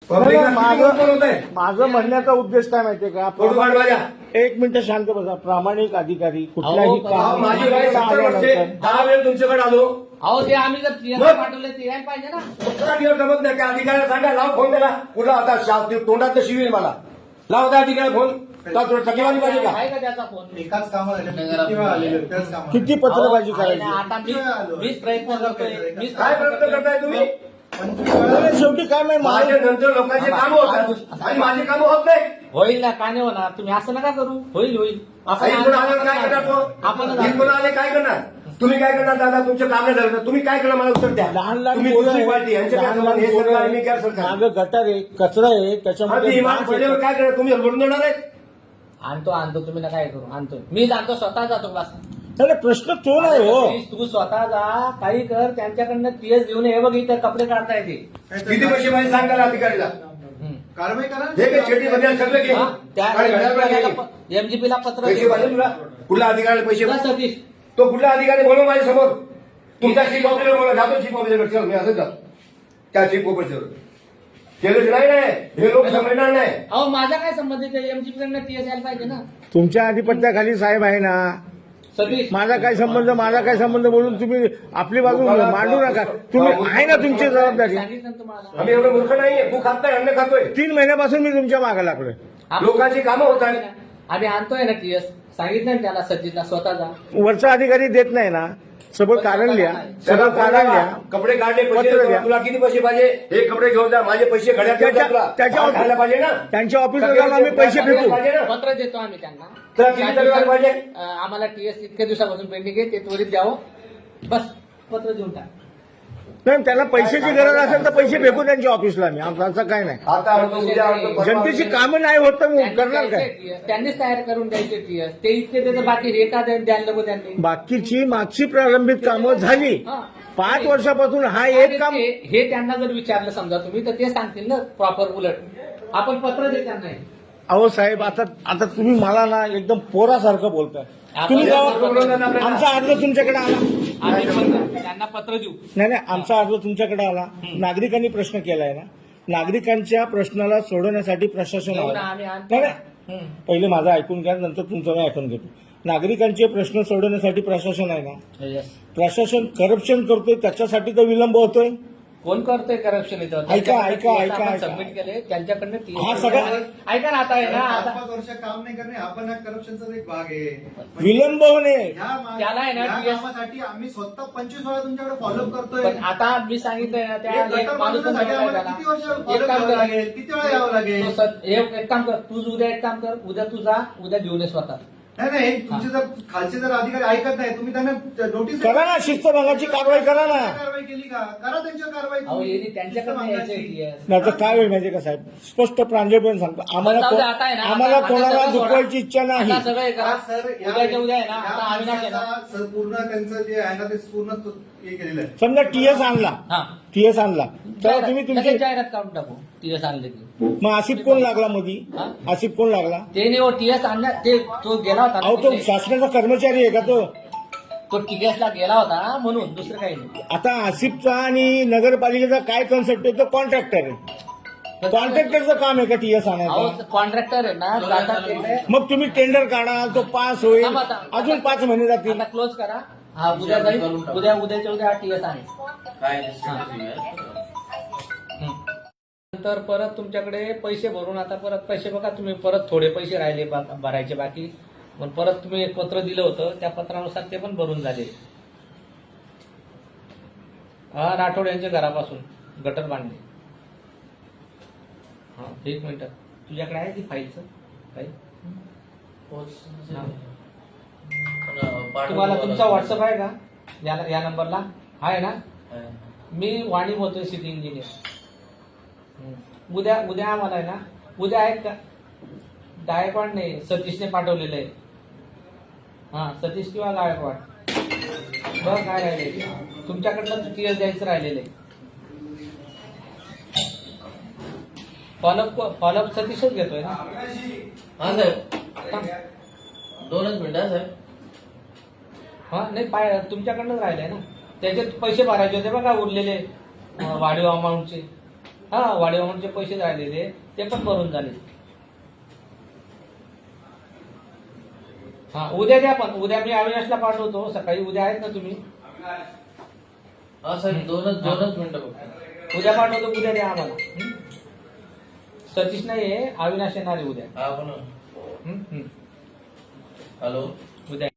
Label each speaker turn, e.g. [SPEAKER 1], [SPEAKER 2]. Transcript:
[SPEAKER 1] माझं म्हणण्याचा उद्देश काय माहितीये का, एक मिनिट शांत बसा. प्रामाणिक अधिकारी कुठल्याही काम
[SPEAKER 2] माझी वय 70 वर्षे 10 वेळ तुमच्याकडे आलो.
[SPEAKER 3] अहो ते आम्ही जर TS पाठवले ते यायला पाहिजे ना.
[SPEAKER 2] 17 दिवस जमत नाही. त्या अधिकाऱ्याला सांगा, लाव फोन त्याला. कुठला आता तोंडात शिवील मला. लाव त्या अधिकाऱ्याला फोन. टकेवारी पाहिजे का?
[SPEAKER 3] आहे का त्याचा फोन?
[SPEAKER 4] एकाच कामाला
[SPEAKER 1] किती पत्रबाजी करायची?
[SPEAKER 3] आता मीच प्रयत्न करतोय.
[SPEAKER 2] काय प्रयत्न करताय तुम्ही?
[SPEAKER 1] शेवटी काय माहिती
[SPEAKER 2] माझ्या नंतर लोकांचे कामं होतात आणि माझे कामं होत नाही.
[SPEAKER 3] होईल ना, का नाही होणार? तुम्ही असं नका करू. होईल होईल.
[SPEAKER 2] इकडून आल्यावर काय करणार तो? इकडून आले काय करणार? तुम्ही काय करणार दादा? तुमचं काम नाही झालं. तुम्ही काय करणार मला उत्तर द्या.
[SPEAKER 1] लहान लहान
[SPEAKER 2] तुम्ही दुसरी पार्टी यांच्या काय संबंध? हे सरकार मी काय सरकार?
[SPEAKER 1] मागं गटार आहे, कचरा आहे, त्याच्यामध्ये
[SPEAKER 2] इमान पडल्यावर काय करणार? तुम्ही लढून देणार आहेत?
[SPEAKER 3] आणतो तुम्ही ना काय करू. आणतो मी जातो, स्वतः जातो क्लास.
[SPEAKER 1] नाही, प्रश्न तो नाही हो.
[SPEAKER 3] तू स्वतः जा, काही कर, त्यांच्याकडनं TS घेऊन हे बघ इथं कपडे काढता येते.
[SPEAKER 2] किती पैसे पाहिजे सांगा ना अधिकारीला.
[SPEAKER 4] कारवाई करा.
[SPEAKER 2] हे काय छेटी मध्ये सगळं घे.
[SPEAKER 3] MGP ला पत्र
[SPEAKER 2] पैसे पाहिजे तुला? कुठला अधिकाऱ्याला पैसे
[SPEAKER 3] तुला सतीश
[SPEAKER 2] तो कुठला अधिकारी बोलव माझ्या समोर. तुमच्या चीफ ऑफिसर बोला. जातो चीफ ऑफिसर. चल मी असंच जातो त्या चीफ ऑफिसर. केलं नाही हे लोक समजणार नाही.
[SPEAKER 3] अहो माझा काय संबंध आहे? MGP कडनं TS यायला पाहिजे ना.
[SPEAKER 1] तुमच्या अधिपत्याखाली साहेब आहे ना.
[SPEAKER 3] सतीश
[SPEAKER 1] माझा काय संबंध बोलून तुम्ही आपली बाजू मांडू नका. तुम्ही आहे ना तुमची जबाबदारी.
[SPEAKER 3] सांगितलं ना तुम्हाला.
[SPEAKER 2] आम्ही एवढं मूर्ख नाहीये. तू खात नाही, अन्न खातोय.
[SPEAKER 1] 3 महिन्यापासून मी तुमच्या मागे लागलोय.
[SPEAKER 2] लोकांची कामं होत आहेत.
[SPEAKER 3] आम्ही आणतोय ना TS. सांगितलं ना त्याला, सतीशला स्वतः जा.
[SPEAKER 1] वरचा अधिकारी देत नाही ना. सगळं कारण लिहा, सगळं कारण लिहा.
[SPEAKER 2] कपडे काढले पैसे
[SPEAKER 1] पत्र द्या.
[SPEAKER 2] तुला किती पैसे पाहिजे? हे कपडे घेऊन जा. माझे पैसे घड्यात घेऊन जा तुला.
[SPEAKER 1] त्याच्या-
[SPEAKER 2] खायला पाहिजे ना.
[SPEAKER 1] त्यांच्या ऑफिसला जाऊन आम्ही पैसे फेकू.
[SPEAKER 2] पाहिजे ना.
[SPEAKER 3] पत्र देतो आम्ही त्यांना.
[SPEAKER 2] तुला किती तक्रार पाहिजे?
[SPEAKER 3] आम्हाला TS इतक्या दिवसापासून पेंडिंग आहे, ते त्वरित द्यावं. बस पत्र देऊन टाक.
[SPEAKER 1] नाही, त्याला पैशाची गरज असेल तर पैसे फेकू त्यांच्या ऑफिसला. मी आमचं काय नाही.
[SPEAKER 2] आता आणतो, उद्या आणतो, परवा
[SPEAKER 1] जनतेची
[SPEAKER 2] आणतो.
[SPEAKER 1] कामं नाही होत तर मग
[SPEAKER 3] त्यांनी
[SPEAKER 1] करणार काय?
[SPEAKER 3] द्यायचे TS. त्यांनीच तयार करून द्यायचे TS. ते इतके देतं, बाकी हे का द्यायला नको त्यांनी.
[SPEAKER 1] बाकीची मागची प्रारंभिक कामं झाली.
[SPEAKER 3] हा.
[SPEAKER 1] 5 वर्षापासून हा एक काम.
[SPEAKER 3] हे त्यांना जर विचारलं समजा तुम्ही, तर ते सांगतील ना प्रॉपर उलट. आपण पत्र देत त्यांना.
[SPEAKER 1] अहो साहेब, आता तुम्ही मला ना एकदम पोरासारखं बोलताय. तुम्ही जेव्हा आमचा अर्ज तुमच्याकडे आला,
[SPEAKER 3] आम्ही त्यांना पत्र देऊ.
[SPEAKER 1] नाही आमचा अर्ज तुमच्याकडे आला. नागरिकांनी प्रश्न केलाय ना. नागरिकांच्या प्रश्नाला सोडवण्यासाठी प्रशासन
[SPEAKER 3] घेऊ ना,
[SPEAKER 1] आलं.
[SPEAKER 3] आम्ही आणतो.
[SPEAKER 1] नाही पहिले माझं ऐकून घ्या, नंतर तुमचं मी ऐकून घेतो. नागरिकांचे प्रश्न सोडवण्यासाठी प्रशासन आहे ना.
[SPEAKER 3] Yes.
[SPEAKER 1] प्रशासन करप्शन करतोय, त्याच्यासाठी तर विलंब होतोय.
[SPEAKER 3] कोण करतोय करप्शन इथं?
[SPEAKER 1] ऐका.
[SPEAKER 3] सबमिट केले त्यांच्याकडनं
[SPEAKER 1] हा सगळा-
[SPEAKER 3] ऐका ना, आता आहे ना, आता
[SPEAKER 4] 5 वर्ष काम नाही करणे हा पण करप्शनचा एक भाग आहे.
[SPEAKER 1] विलंब होणे.
[SPEAKER 3] त्याला आहे ना,
[SPEAKER 4] या
[SPEAKER 3] TS
[SPEAKER 4] कामासाठी आम्ही स्वतः 25 वेळा तुमच्याकडे फॉलोअप करतोय.
[SPEAKER 3] पण आता मी सांगितलंय ना, त्या
[SPEAKER 4] एक
[SPEAKER 3] एक
[SPEAKER 4] गटर
[SPEAKER 3] माणूस पण
[SPEAKER 4] बांधण्यासाठी
[SPEAKER 3] बोलवलाय
[SPEAKER 4] आम्हाला
[SPEAKER 3] त्याला.
[SPEAKER 4] किती वर्ष
[SPEAKER 3] एक
[SPEAKER 4] follow
[SPEAKER 3] काम
[SPEAKER 4] करावं
[SPEAKER 3] कर.
[SPEAKER 4] लागेल? किती वेळा यावं लागेल?
[SPEAKER 3] एक काम कर, तू उद्या एक काम कर, उद्या तू जा, उद्या घेऊन ये स्वतः.
[SPEAKER 4] नाही तुमचे जर खालचे जर अधिकारी ऐकत नाही, तुम्ही त्यांना नोटीस
[SPEAKER 1] करा ना, शिस्तभंगाची कारवाई करा ना.
[SPEAKER 4] कारवाई केली का? करा त्यांच्यावर कारवाई.
[SPEAKER 3] अहो यांनी त्यांच्याकडनं यायचंय TS.
[SPEAKER 1] नाही तर काय होईल माहिती का साहेब, स्पष्ट प्रांजळपणे सांगतो,
[SPEAKER 3] जाऊ दे, आता आहे ना,
[SPEAKER 1] आम्हाला
[SPEAKER 3] आता
[SPEAKER 1] कोणाला
[SPEAKER 3] सगळं सोडा.
[SPEAKER 1] दुखवायची इच्छा नाही.
[SPEAKER 3] आता सगळं हे करा.
[SPEAKER 4] सर
[SPEAKER 3] उद्याच्या उद्या आहे ना, आता अविनाश आहे ना.
[SPEAKER 4] पूर्ण त्यांचं जे आहे ना ते पूर्ण हे केलेलं आहे.
[SPEAKER 1] समजा TS आणला,
[SPEAKER 3] हा.
[SPEAKER 1] TS आणला तर तुम्ही तुमची
[SPEAKER 3] लगेच जाहिरात काढून टाकू TS आणले की.
[SPEAKER 1] मग आसिफ कोण लागला मधी?
[SPEAKER 3] हा?
[SPEAKER 1] आसिफ कोण लागला?
[SPEAKER 3] ते नाही हो, TS आणल्या, ते तो गेला होता ना
[SPEAKER 1] अहो तो
[SPEAKER 3] तिथे.
[SPEAKER 1] शासनाचा कर्मचारी आहे का तो?
[SPEAKER 3] तो TS ला गेला होता म्हणून, दुसरं काही नाही.
[SPEAKER 1] आता आसिफचा आणि नगरपालिकेचा काय कन्सेप्ट आहे? तो कॉन्ट्रॅक्टर आहे. कॉन्ट्रॅक्टरचं काम आहे का TS आणायचं?
[SPEAKER 3] अहो कॉन्ट्रॅक्टर आहे ना, जातात तिथे.
[SPEAKER 1] मग तुम्ही टेंडर काढा, तो पास होईल,
[SPEAKER 3] थांबा, थांबा.
[SPEAKER 1] अजून 5 महिने जातील.
[SPEAKER 3] आता क्लोज करा. हा उद्या जाईल, उद्याच्या उद्या TS आहे. नंतर परत तुमच्याकडे पैसे भरून, आता परत पैसे बघा तुम्ही, परत थोडे पैसे राहिले भरायचे बाकी. पण परत तुम्ही एक पत्र दिलं होतं, त्या पत्रानुसार ते पण भरून झाले. हा राठोड यांच्या घरापासून गटर बांधले. हा 1 मिनिट, तुझ्याकडे आहे ती फाईलचं काही? तुम्हाला तुमचा व्हॉट्सअप आहे का या नंबरला? आहे ना? मी वाणी बोलतोय, सिटी इंजिनियर. उद्या आम्हाला आहे ना, उद्या आहेत का? गायकवाड नाही, सतीशने पाठवलेलं आहे. हा सतीश किंवा गायकवाड. बघ काय राहिले तुमच्याकडनं, TS द्यायचं राहिलेलं आहे. फॉलोअप सतीशच घेतोय ना?
[SPEAKER 5] हा साहेब, 2च मिनिटं साहेब.
[SPEAKER 3] हा नाही, तुमच्याकडनंच राहिलंय ना. त्याचे पैसे भरायचे होते बघा, उरलेले वाढीव अमाऊंटचे. हा वाढीवामनचे पैसे राहिलेले ते पण भरून झाले. हा उद्या द्या, पण उद्या मी अविनाशला पाठवतो सकाळी. उद्या आहेत ना तुम्ही?
[SPEAKER 5] हा साहेब दोनच मिनिटं फक्त.
[SPEAKER 3] उद्या पाठवतो, उद्या द्या आम्हाला. हं? सतीश नाही आहे, अविनाश येणार आहे उद्या.
[SPEAKER 5] हा पण
[SPEAKER 3] हं? हं.
[SPEAKER 5] हॅलो
[SPEAKER 3] उद्या